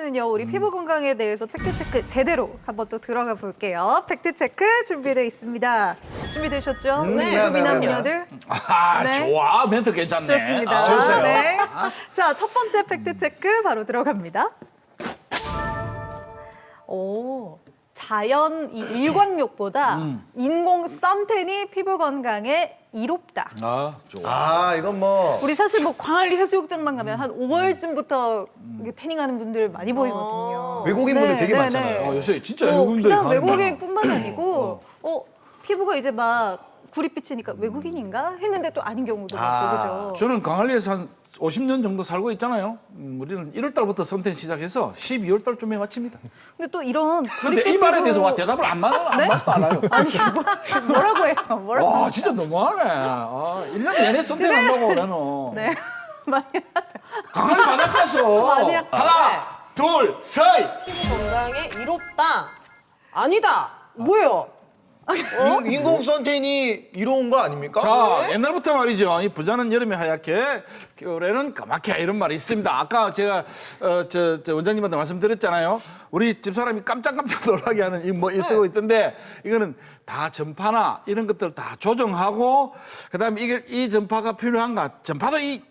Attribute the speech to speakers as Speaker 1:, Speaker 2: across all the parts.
Speaker 1: 이번에는요, 우리 피부 건강에 대해서 팩트체크 제대로 한번 또 들어가 볼게요. 팩트체크 준비되어 있습니다. 준비되셨죠?
Speaker 2: 네,
Speaker 1: 미남녀들?
Speaker 3: 아,
Speaker 1: 네.
Speaker 3: 좋아. 멘트 괜찮네.
Speaker 1: 좋습니다.
Speaker 3: 아, 좋으세요.
Speaker 1: 네. 자, 첫 번째 팩트체크 바로 들어갑니다. 오, 자연 이 일광욕보다 인공 선텐이 피부 건강에 이롭다.
Speaker 3: 아, 좋아.
Speaker 2: 아, 이건 뭐.
Speaker 1: 우리 사실 뭐 광안리 해수욕장만 가면 한 5월쯤부터 태닝하는 분들 많이 보이거든요.
Speaker 2: 외국인분들 되게
Speaker 1: 네,
Speaker 2: 많잖아요.
Speaker 1: 네.
Speaker 3: 요새 진짜 외국인들이
Speaker 1: 비단
Speaker 3: 가는
Speaker 1: 외국인뿐만 아니고 피부가 이제 막 구릿빛이니까 외국인인가 했는데 또 아닌 경우도 많고 그죠.
Speaker 3: 저는 강한리에서 한 50년 정도 살고 있잖아요. 우리는 1월 달부터 선텐 시작해서 12월 달쯤에 마칩니다.
Speaker 1: 근데 또 이런
Speaker 3: 근데 이
Speaker 1: 구릿빛
Speaker 3: 말에
Speaker 1: 피부-
Speaker 3: 대해서 와 대답을 안 알아요.
Speaker 1: 아니 뭐라고 해요? 뭐라고?
Speaker 3: 와, 진짜 너무하네. 1년 내내 선텐 한다고 나는.
Speaker 1: 네 많이 하세요.
Speaker 3: 강한리 바닷가서.
Speaker 1: 많이 하죠.
Speaker 3: 하나, 둘, 셋.
Speaker 4: 피부 건강에 이롭다. 아니다. 뭐예요?
Speaker 2: 인공 선텐이 이로운 거 아닙니까?
Speaker 3: 자, 옛날부터 말이죠. 이 부자는 여름에 하얗게, 겨울에는 까맣게 이런 말이 있습니다. 아까 제가 저 원장님한테 말씀드렸잖아요. 우리 집사람이 깜짝깜짝 놀라게 하는 이 뭐 쓰고 있던데 이거는 다 전파나 이런 것들 다 조정하고 그다음에 이게 이 전파가 필요한가? 전파도 이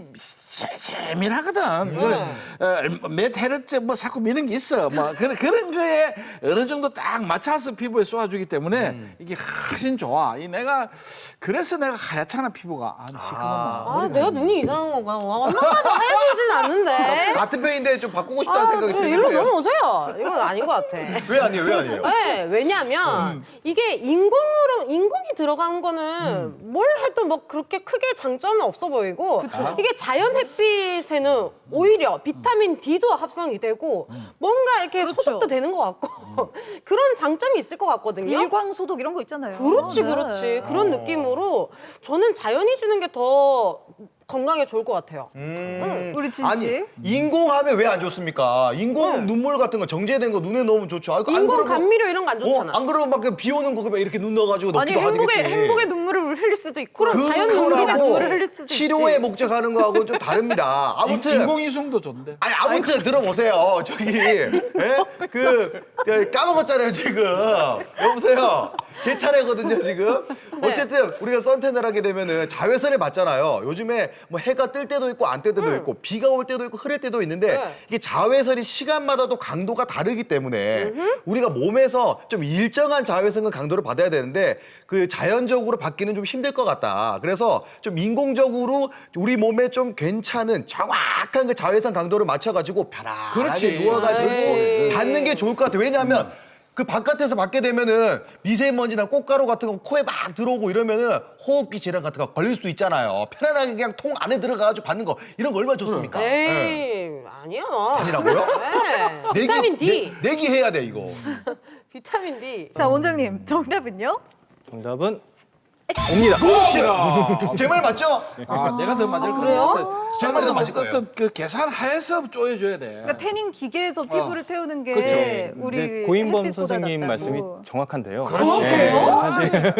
Speaker 3: 세밀하거든. 이거는 몇 헤르츠 뭐 자꾸 미는 게 있어. 뭐 그런 거에 어느 정도 딱 맞춰서 피부에 쏘아주기 때문에 이게 훨씬 좋아. 그래서 내가 하얗잖아 피부가. 시커먼.
Speaker 4: 아, 내가 눈이 이상한 건가? 엄마가 하얘보진 않는데.
Speaker 2: 같은 편인데 좀 바꾸고 싶다는 생각이
Speaker 4: 저 일로
Speaker 2: 드는데.
Speaker 4: 넘어오세요. 이건 아닌 것 같아.
Speaker 2: 왜 아니에요? 왜 아니에요?
Speaker 4: 네, 왜냐면 이게 인공이 들어간 거는 뭘 해도 뭐 그렇게 크게 장점은 없어 보이고 이게 자연 햇빛에는 오히려 비타민 D도 합성이 되고 뭔가 이렇게 소독도 되는 것 같고 그런 장점이 있을 것 같거든요.
Speaker 1: 일광 소독 이런 거 있잖아요.
Speaker 4: 그렇지,
Speaker 1: 네.
Speaker 4: 그렇지. 그런 느낌으로 저는 자연이 주는 게 더 건강에 좋을 것 같아요.
Speaker 1: 우리 진
Speaker 2: 아니,
Speaker 1: 씨.
Speaker 2: 인공하면 왜 안 좋습니까? 인공 눈물 같은 거 정제된 거 눈에 넣으면 좋죠. 아, 이거 안
Speaker 4: 인공
Speaker 2: 그러면-
Speaker 4: 감미료 이런 거 안 좋잖아.
Speaker 2: 안 그러면 막 비 오는 거 그냥 이렇게 눈 넣어가지고
Speaker 1: 아니
Speaker 2: 넣기도 하겠지.
Speaker 1: 행복의 눈물을 흘릴 수도 있고
Speaker 4: 그럼 자연 눈물이
Speaker 1: 감동의
Speaker 4: 낫지.
Speaker 1: 눈물을 흘릴 수도
Speaker 2: 치료에
Speaker 1: 있지.
Speaker 2: 목적하는 거하고는 좀 다릅니다. 아무튼
Speaker 3: 인공위성도 좋은데.
Speaker 2: 아니 아무튼 들어보세요. 저기 까먹었잖아요 지금. 여보세요. 제 차례거든요 지금. 어쨌든 우리가 선탠을 하게 되면은 자외선을 받잖아요. 요즘에 뭐 해가 뜰 때도 있고 안 뜰 때도 있고 비가 올 때도 있고 흐릴 때도 있는데
Speaker 4: 네.
Speaker 2: 이게 자외선이 시간마다도 강도가 다르기 때문에 우리가 몸에서 좀 일정한 자외선과 강도를 받아야 되는데 그 자연적으로 받기는 좀 힘들 것 같다. 그래서 좀 인공적으로 우리 몸에 좀 괜찮은 정확한 그 자외선 강도를 맞춰가지고 편안하게
Speaker 3: 그렇지.
Speaker 2: 누워가지고
Speaker 4: 에이.
Speaker 2: 받는 게 좋을 것 같아. 왜냐하면 그 바깥에서 받게 되면은 미세먼지나 꽃가루 같은 거 코에 막 들어오고 이러면은 호흡기 질환 같은 거 걸릴 수도 있잖아요. 편안하게 그냥 통 안에 들어가가지고 받는 거 이런 거 얼마나 좋습니까?
Speaker 4: 에이, 아니야.
Speaker 2: 아니라고요?
Speaker 4: 네. 비타민 D.
Speaker 2: 내기해야 돼 이거.
Speaker 4: 비타민 D.
Speaker 1: 자 원장님 정답은요?
Speaker 5: 정답은 옵니다.
Speaker 2: 제 말 맞죠?
Speaker 3: 내가 더 맞을 것
Speaker 4: 그래요?
Speaker 3: 같아.
Speaker 2: 제 말이 더 맞을 거예요.
Speaker 3: 어떤 그 계산하에서 쪼여줘야 돼.
Speaker 1: 그러니까 태닝 기계에서 피부를 태우는 게
Speaker 3: 그렇죠.
Speaker 1: 우리
Speaker 5: 이제 고인범
Speaker 1: 햇빛보다
Speaker 5: 선생님
Speaker 1: 낫다고.
Speaker 5: 말씀이 정확한데요.
Speaker 3: 그렇지.
Speaker 5: 사실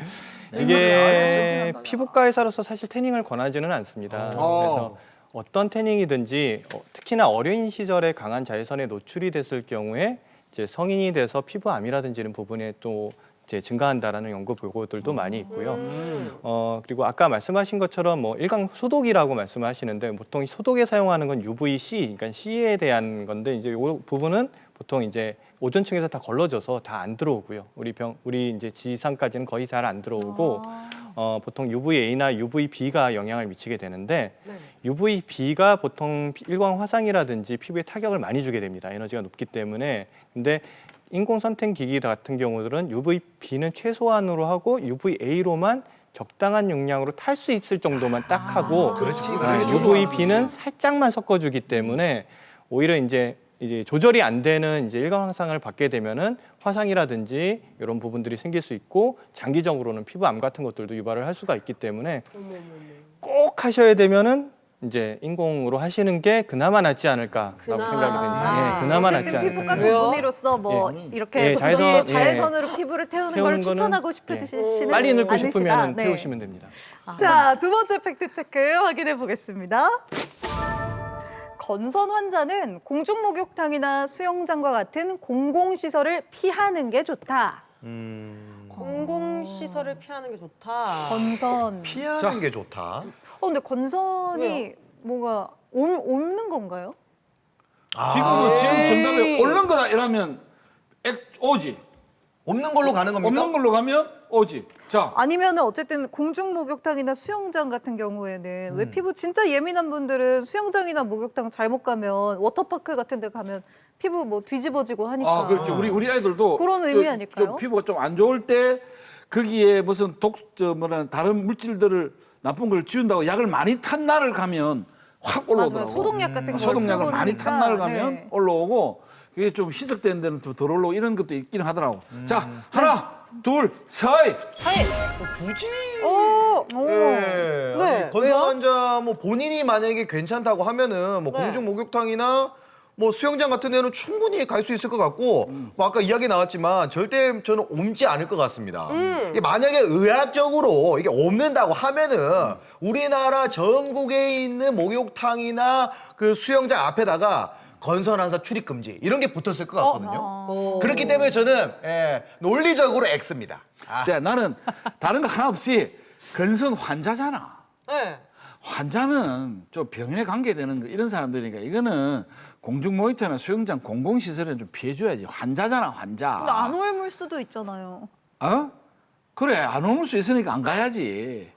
Speaker 5: 이게
Speaker 3: 안
Speaker 5: 피부과 의사로서 사실 태닝을 권하지는 않습니다. 그래서 어떤 태닝이든지 특히나 어린 시절에 강한 자외선에 노출이 됐을 경우에 이제 성인이 돼서 피부암이라든지 이런 부분에 또 이제 증가한다라는 연구 보고들도 많이 있고요. 그리고 아까 말씀하신 것처럼 뭐 일광 소독이라고 말씀하시는데 보통 소독에 사용하는 건 UVC, 그러니까 C에 대한 건데 이제 이 부분은 보통 이제 오존층에서 다 걸러져서 다 안 들어오고요. 우리 이제 지상까지는 거의 잘 안 들어오고 보통 UVA나 UVB가 영향을 미치게 되는데 UVB가 보통 일광 화상이라든지 피부에 타격을 많이 주게 됩니다. 에너지가 높기 때문에. 근데 인공 선택 기기 같은 경우들은 UVB는 최소한으로 하고 UVA로만 적당한 용량으로 탈 수 있을 정도만 딱 하고 UVB는 살짝만 섞어주기 때문에 오히려 이제 조절이 안 되는 이제 일광 화상을 받게 되면은 화상이라든지 이런 부분들이 생길 수 있고 장기적으로는 피부암 같은 것들도 유발을 할 수가 있기 때문에 꼭 하셔야 되면은 이제 인공으로 하시는 게 그나마 낫지 않을까라고 생각이 됩니다. 예, 그나마 낫지
Speaker 1: 어쨌든 피부과
Speaker 5: 않을까.
Speaker 4: 왜요?
Speaker 1: 전문의로서 뭐 이렇게
Speaker 5: 예,
Speaker 1: 자외선으로 피부를 태우는 걸
Speaker 5: 태우는 거는
Speaker 1: 추천하고 싶으시는
Speaker 5: 빨리 늙고
Speaker 1: 않으시다.
Speaker 5: 싶으면
Speaker 1: 네.
Speaker 5: 태우시면 됩니다.
Speaker 1: 자, 두 번째 팩트 체크 확인해 보겠습니다. 건선 환자는 공중 목욕탕이나 수영장과 같은 공공시설을 피하는 게 좋다.
Speaker 4: 공공시설을 피하는 게 좋다.
Speaker 1: 건선.
Speaker 2: 피하는 게 좋다.
Speaker 1: 근데 건선이
Speaker 4: 왜요?
Speaker 1: 뭐가 옮는 건가요?
Speaker 3: 지금 정답에 옳는 거다 이러면 오지.
Speaker 2: 없는 걸로 가는 겁니까?
Speaker 3: 없는 걸로 가면 오지. 자,
Speaker 1: 아니면은 어쨌든 공중 목욕탕이나 수영장 같은 경우에는 왜 피부 진짜 예민한 분들은 수영장이나 목욕탕 잘못 가면 워터파크 같은 데 가면 피부 뭐 뒤집어지고 하니까.
Speaker 3: 그렇죠. 우리 아이들도
Speaker 1: 그런 의미 아닐까요?
Speaker 3: 좀 피부가 좀 안 좋을 때 거기에 무슨 다른 물질들을 나쁜 걸 지운다고 약을 많이 탄 날을 가면 확
Speaker 1: 맞아요.
Speaker 3: 올라오더라고.
Speaker 1: 소독약 같은 거
Speaker 3: 소독약을 많이 탄 날을 가면
Speaker 1: 네.
Speaker 3: 올라오고 그게 좀 희석된 데는 좀 덜 올라오고 이런 것도 있긴 하더라고. 자, 하나, 둘, 셋.
Speaker 2: 굳이.
Speaker 1: 네.
Speaker 2: 아니, 건선 환자 뭐 본인이 만약에 괜찮다고 하면은 뭐
Speaker 4: 네.
Speaker 2: 공중 목욕탕이나 뭐 수영장 같은 데는 충분히 갈 수 있을 것 같고 뭐 아까 이야기 나왔지만 절대 저는 옮지 않을 것 같습니다. 이게 만약에 의학적으로 이게 옮는다고 하면은 우리나라 전국에 있는 목욕탕이나 그 수영장 앞에다가 건선 환자 출입 금지 이런 게 붙었을 것 같거든요. 그렇기 때문에 저는 논리적으로 X입니다.
Speaker 3: 네, 나는 다른 거 하나 없이 건선 환자잖아.
Speaker 4: 네.
Speaker 3: 환자는 좀 병에 관계되는 거 이런 사람들이니까 이거는 공중 모니터나 수영장 공공시설에는 좀 피해줘야지. 환자잖아, 환자.
Speaker 1: 근데 안 옮을 수도 있잖아요.
Speaker 3: 어? 그래, 안 옮을 수 있으니까 안 가야지.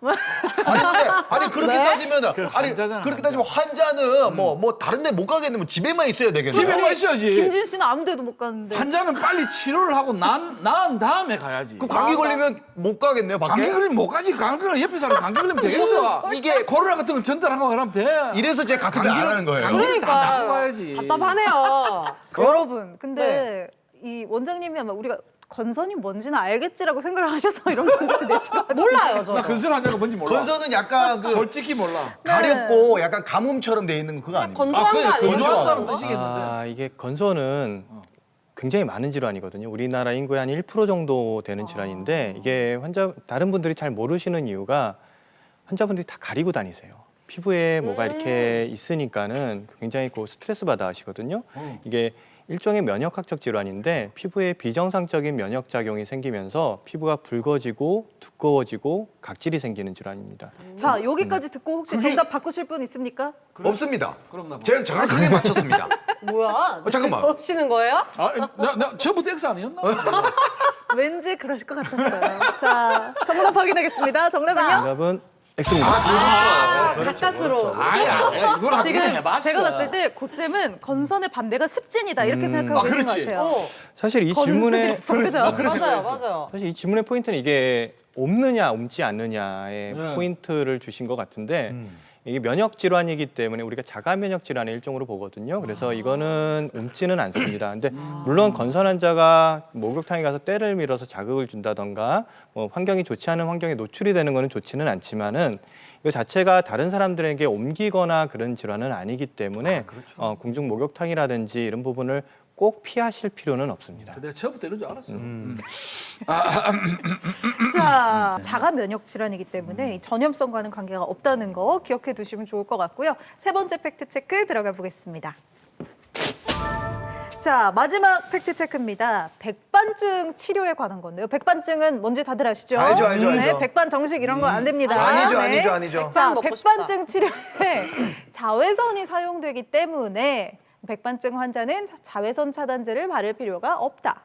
Speaker 2: 아니 그렇게 따지면
Speaker 3: 환자잖아,
Speaker 2: 그렇게 따지면 환자는 뭐 다른 데 못 가겠는데 집에만 있어야 되겠네.
Speaker 3: 집에만 있어야지.
Speaker 1: 김진 씨는 아무 데도 못 가는데.
Speaker 3: 환자는 빨리 치료를 하고 나은 다음에 가야지.
Speaker 2: 그럼 감기 걸리면 못 가겠네요, 밖에.
Speaker 3: 감기 걸리면 못 가지. 감기 걸리면 옆에 사람 감기 걸리면 되겠어. 이게 코로나 같은 건 전달하고 그러면 돼.
Speaker 2: 이래서 제가 같은 데안 하는 거예요.
Speaker 3: 감기를 다
Speaker 4: 그러니까
Speaker 3: 낫고 가야지.
Speaker 4: 답답하네요.
Speaker 1: 여러분, 근데 이 원장님이 아마 우리가 건선이 뭔지는 알겠지라고 생각을 하셔서 이런 문제를 내신 것 같아요.
Speaker 4: 몰라요, 저.
Speaker 3: 나 건선 환자가 뭔지 몰라.
Speaker 2: 건선은 약간 그
Speaker 3: 솔직히 몰라.
Speaker 2: 가렵고 약간 가뭄처럼 돼 있는 그거 아니에요?
Speaker 4: 건조한 거 아니에요?
Speaker 3: 건조한다는 뜻이겠는데.
Speaker 5: 이게 건선은 굉장히 많은 질환이거든요. 우리나라 인구의 한 1% 정도 되는 질환인데 이게 다른 분들이 잘 모르시는 이유가 환자분들이 다 가리고 다니세요. 피부에 뭐가 이렇게 있으니까는 굉장히 스트레스 받아 하시거든요. 이게 일종의 면역학적 질환인데 피부에 비정상적인 면역 작용이 생기면서 피부가 붉어지고 두꺼워지고 각질이 생기는 질환입니다.
Speaker 1: 자, 여기까지 듣고 혹시 정답 바꾸실 분 있습니까?
Speaker 2: 없습니다.
Speaker 3: 그럼 나 뭐.
Speaker 2: 제가 정확하게 맞췄습니다.
Speaker 4: 뭐야?
Speaker 2: 잠깐만.
Speaker 4: 오시는 거예요?
Speaker 3: 나 처음부터 X 아니었나?
Speaker 1: 왠지 그러실 것 같았어요. 자, 정답 확인하겠습니다. 정답은요?
Speaker 5: 정답은 X입니다.
Speaker 4: 가까스로.
Speaker 3: 아야, 이걸 하긴
Speaker 1: 지금
Speaker 3: 해봤어.
Speaker 1: 제가 봤을 때 고쌤은 건선의 반대가 습진이다 이렇게 생각하고 계신 것
Speaker 3: 그렇지.
Speaker 1: 같아요.
Speaker 5: 사실 이 질문에
Speaker 1: 건습이었어, 그죠?
Speaker 4: 맞아요.
Speaker 5: 사실 이 질문의 포인트는 이게 옮느냐 옮지 않느냐의 포인트를 주신 것 같은데 이게 면역 질환이기 때문에 우리가 자가 면역 질환의 일종으로 보거든요. 그래서 이거는 옮지는 않습니다. 근데 물론 건선 환자가 목욕탕에 가서 때를 밀어서 자극을 준다던가 뭐 환경이 좋지 않은 환경에 노출이 되는 거는 좋지는 않지만은 이거 자체가 다른 사람들에게 옮기거나 그런 질환은 아니기 때문에 공중 목욕탕이라든지 이런 부분을 꼭 피하실 필요는 없습니다.
Speaker 3: 내가 처음부터 이런 줄 알았어.
Speaker 1: 자, 자가 면역 질환이기 때문에 이 전염성과는 관계가 없다는 거 기억해 두시면 좋을 것 같고요. 세 번째 팩트 체크 들어가 보겠습니다. 자, 마지막 팩트 체크입니다. 백반증 치료에 관한 건데요. 백반증은 뭔지 다들 아시죠?
Speaker 2: 알죠, 알죠,
Speaker 1: 네,
Speaker 2: 알죠.
Speaker 1: 백반 정식 이런 거 안 됩니다.
Speaker 2: 아니죠,
Speaker 1: 네.
Speaker 2: 아니죠, 아니죠.
Speaker 1: 자,
Speaker 4: 먹고
Speaker 1: 백반증 치료에 자외선이 사용되기 때문에 백반증 환자는 자외선 차단제를 바를 필요가 없다.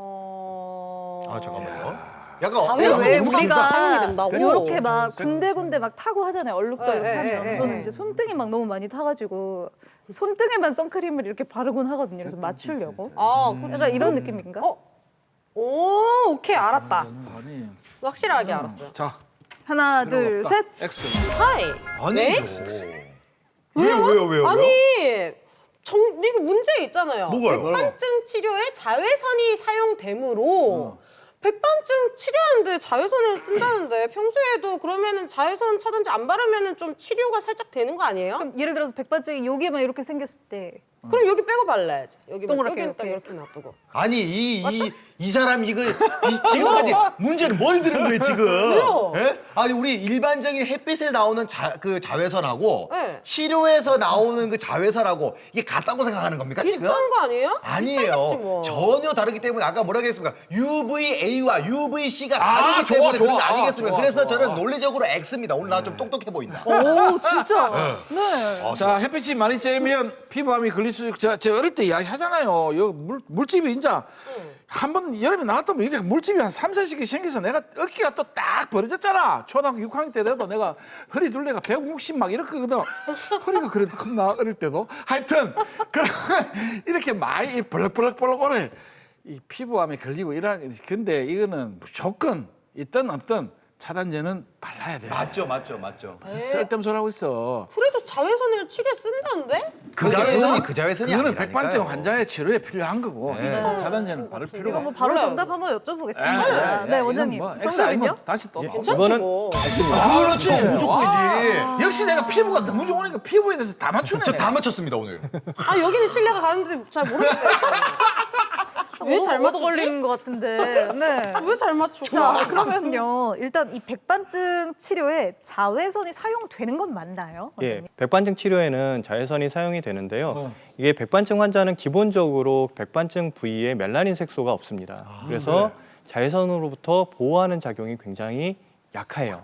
Speaker 2: 잠깐만요. 약간
Speaker 1: 왜
Speaker 4: 사용이
Speaker 1: 우리가
Speaker 4: 된다고?
Speaker 1: 이렇게 막 군데군데 막 타고 하잖아요. 얼룩덜룩
Speaker 4: 네,
Speaker 1: 하면.
Speaker 4: 네,
Speaker 1: 저는
Speaker 4: 네.
Speaker 1: 이제 손등이 막 너무 많이 타가지고 손등에만 선크림을 이렇게 바르곤 하거든요. 그래서 맞추려고. 약간 이런 느낌인가?
Speaker 4: 오케이, 알았다.
Speaker 3: 아니,
Speaker 4: 확실하게 알았어요.
Speaker 3: 자,
Speaker 1: 하나, 둘,
Speaker 3: 없다.
Speaker 1: 셋.
Speaker 3: X.
Speaker 4: 하이.
Speaker 2: 아니죠. 왜요?
Speaker 4: 아니, 이거 문제 있잖아요.
Speaker 2: 뭐가요?
Speaker 4: 백반증 치료에 자외선이 사용되므로 백반증 치료하는데 자외선을 쓴다는데 평소에도 그러면은 자외선 차단제 안 바르면은 좀 치료가 살짝 되는 거 아니에요?
Speaker 1: 그럼 예를 들어서 백반증이 여기에만 이렇게 생겼을 때
Speaker 4: 그럼 여기 빼고 발라야지. 여기
Speaker 1: 동그랗게
Speaker 4: 여기는 딱
Speaker 1: 이렇게.
Speaker 4: 이렇게 놔두고.
Speaker 2: 아니 이 사람 이거 지금까지 문제는 뭘 들은 거예요 지금?
Speaker 4: 왜요?
Speaker 2: 예? 아니 우리 일반적인 햇빛에 나오는 그 자외선하고
Speaker 4: 네.
Speaker 2: 치료에서 나오는 그 자외선하고 이게 같다고 생각하는 겁니까 지금?
Speaker 4: 비슷한 거 아니에요?
Speaker 2: 아니에요.
Speaker 4: 비슷하겠지 뭐.
Speaker 2: 전혀 다르기 때문에 아까 뭐라고 했습니까? UVA와 UVC가
Speaker 3: 아,
Speaker 2: 다르기
Speaker 3: 좋아,
Speaker 2: 때문에
Speaker 3: 좋아.
Speaker 2: 그런 거 아니겠습니까?
Speaker 3: 좋아,
Speaker 2: 그래서
Speaker 3: 좋아.
Speaker 2: 저는 논리적으로 X입니다. 오늘 나 좀 똑똑해 보인다.
Speaker 1: 오, 진짜. 네.
Speaker 3: 자, 햇빛이 많이 쬐면 피부암이 걸릴 수 있고, 제가 어릴 때 이야기 하잖아요. 요 물집이 이제 한 번 여름에 나왔다면 이게 물집이 한 3, 4씩 생겨서 내가 어깨가 또 딱 벌어졌잖아. 초등학교 6학년 때 돼도 내가 허리 둘레가 160 막 이렇거든. 허리가 그래도 컸나 어릴 때도. 하여튼 그러면 이렇게 많이 벌럭벌럭 오래 이 피부암에 걸리고 이런 근데 이거는 무조건 있든 없든 차단제는 발라야 돼.
Speaker 2: 맞죠.
Speaker 3: 쓸데없는 소리 하고 있어.
Speaker 4: 그래도 자외선을 치료에 쓴다는데?
Speaker 2: 그 자외선이
Speaker 3: 그거는
Speaker 2: 아니라니까요.
Speaker 3: 백반증 환자의 치료에 필요한 거고 차단제는 바를 필요가
Speaker 1: 이거 뭐
Speaker 3: 없어.
Speaker 1: 바로
Speaker 4: 몰라요.
Speaker 1: 정답 한번 여쭤보겠습니다. 네, 원장님. 정답은요?
Speaker 3: 다시 또
Speaker 4: 괜찮지
Speaker 5: 이거는
Speaker 4: 뭐.
Speaker 2: 그렇지. 무조건이지.
Speaker 3: 역시 내가 피부가 너무 좋으니까 피부에 대해서 다 맞추네.
Speaker 2: 저 다 맞췄습니다 오늘.
Speaker 4: 아 여기는 신뢰가 가는데 잘 모르겠어요. 왜 잘
Speaker 1: 얻어
Speaker 4: 맞추지?
Speaker 1: 걸리는 것 같은데. 네.
Speaker 4: 왜 잘 맞추고?
Speaker 1: 자, 그러면요. 일단 이 백반증 치료에 자외선이 사용되는 건 맞나요?
Speaker 5: 예,
Speaker 1: 원장님?
Speaker 5: 백반증 치료에는 자외선이 사용이 되는데요. 이게 백반증 환자는 기본적으로 백반증 부위에 멜라닌 색소가 없습니다. 그래서 자외선으로부터 보호하는 작용이 굉장히 약해요.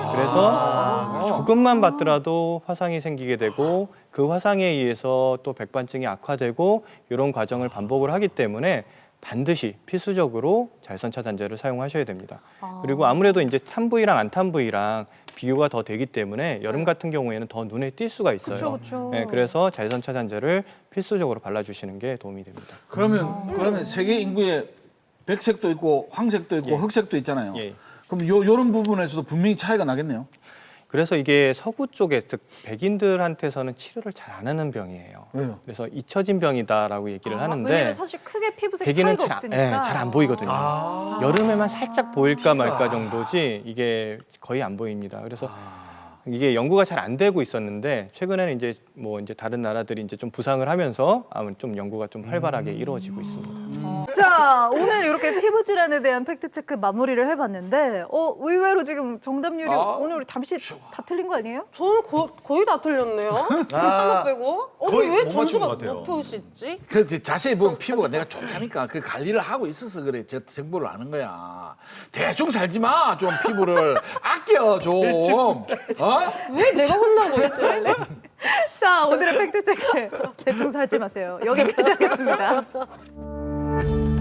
Speaker 5: 그래서 조금만 받더라도 화상이 생기게 되고 그 화상에 의해서 또 백반증이 악화되고 이런 과정을 반복을 하기 때문에 반드시 필수적으로 자외선 차단제를 사용하셔야 됩니다. 그리고 아무래도 이제 탄 부위랑 안 탄 부위랑 비교가 더 되기 때문에 여름 같은 경우에는 더 눈에 띌 수가 있어요.
Speaker 1: 그쵸.
Speaker 5: 네, 그래서 자외선 차단제를 필수적으로 발라주시는 게 도움이 됩니다.
Speaker 3: 그러면 세계 인구에 백색도 있고 황색도 있고 흑색도 있잖아요.
Speaker 5: 예.
Speaker 3: 그럼 요런 부분에서도 분명히 차이가 나겠네요.
Speaker 5: 그래서 이게 서구 쪽에 즉 백인들한테서는 치료를 잘 안 하는 병이에요.
Speaker 3: 왜요?
Speaker 5: 그래서 잊혀진 병이다라고 얘기를 하는데
Speaker 1: 왜냐면 사실 크게 피부색
Speaker 5: 백인은
Speaker 1: 차이가 없으니까.
Speaker 5: 잘 안 보이거든요. 여름에만 살짝 보일까 말까 정도지 이게 거의 안 보입니다. 그래서 이게 연구가 잘 안 되고 있었는데 최근에는 이제 뭐 이제 다른 나라들이 이제 좀 부상을 하면서 아무튼 좀 연구가 좀 활발하게 이루어지고 있습니다.
Speaker 1: 자, 오늘 이렇게 피부 질환에 대한 팩트 체크 마무리를 해봤는데, 의외로 지금 정답률이 오늘 우리 담시 다 틀린 거 아니에요?
Speaker 4: 저는 거의 다 틀렸네요. 하나 빼고.
Speaker 2: 거의
Speaker 4: 왜
Speaker 2: 못 맞춘
Speaker 4: 점수가
Speaker 2: 것 같아요.
Speaker 4: 높으시지?
Speaker 3: 그 자세히 보면 피부가 내가 좋다니까 그 관리를 하고 있어서 그래. 제 정보를 아는 거야. 대충 살지 마. 좀 피부를 아껴 좀.
Speaker 4: 왜 내가 혼나고 있지?
Speaker 1: 자, 오늘의 팩트 체크 대충 살지 마세요. 여기까지 하겠습니다.